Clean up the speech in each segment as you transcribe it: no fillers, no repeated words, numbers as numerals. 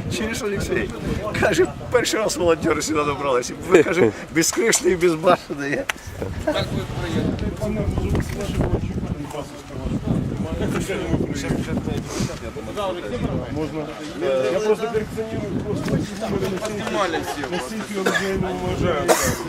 Чуєш, Олексій? Каже, перший раз волонтери сюди добралися. Ви, каже, безкришний і безбашений. Можно. Я просто коллекционирую насколько я его уважаю.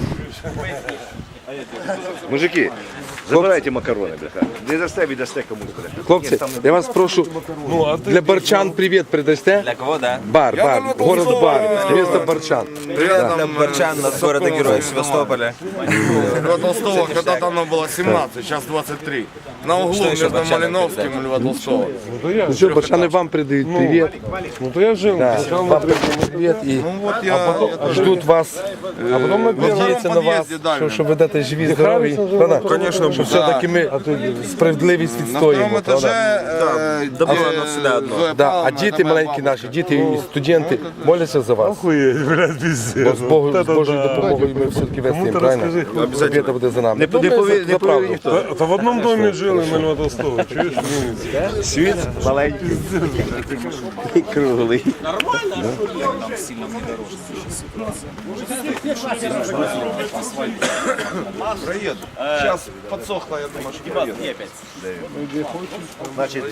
Мужики, забирайте макарони, бляха. Не дасте, віддасте комусь, бляха. Хлопці, я вас прошу, для барчан привіт передасте? Для кого, да? Бар, город Бар, место барчан. Для барчан от города Героев Севастополя. Льва Толстого когда-то оно было 17, сейчас 23. На углу между Малиновским и Льва Толстого. Ну що, барчани вам передають привіт. Ну то я жил. Да, вам передають привіт і Вот я ждуть вас, А потом мы надіються на вас, що ви живі, здорові. Правда? Конечно, Що все-таки ми справедливість на втором відстоїмо. правда? этаже Добро, оно всегда одно. Да, а діти маленькі наші, діти і студенти моляться за вас. охуеть, блядь, пиздец. Бо з Божою допомогою ми все-таки вести їм, правильно? Побіда буде за нами. Не повірить ніхто. Это в одном доме жили на Льва Толстого, чуешь? Світ маленький і круглий. проеду. Сейчас подсохло, я думаю, что проеду. Значить,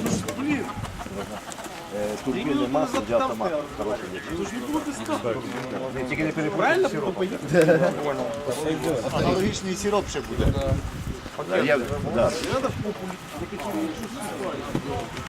турбінне масло для автомата. Хороше. Тільки не перепутайте сироп. Аналогічний сироп ще буде.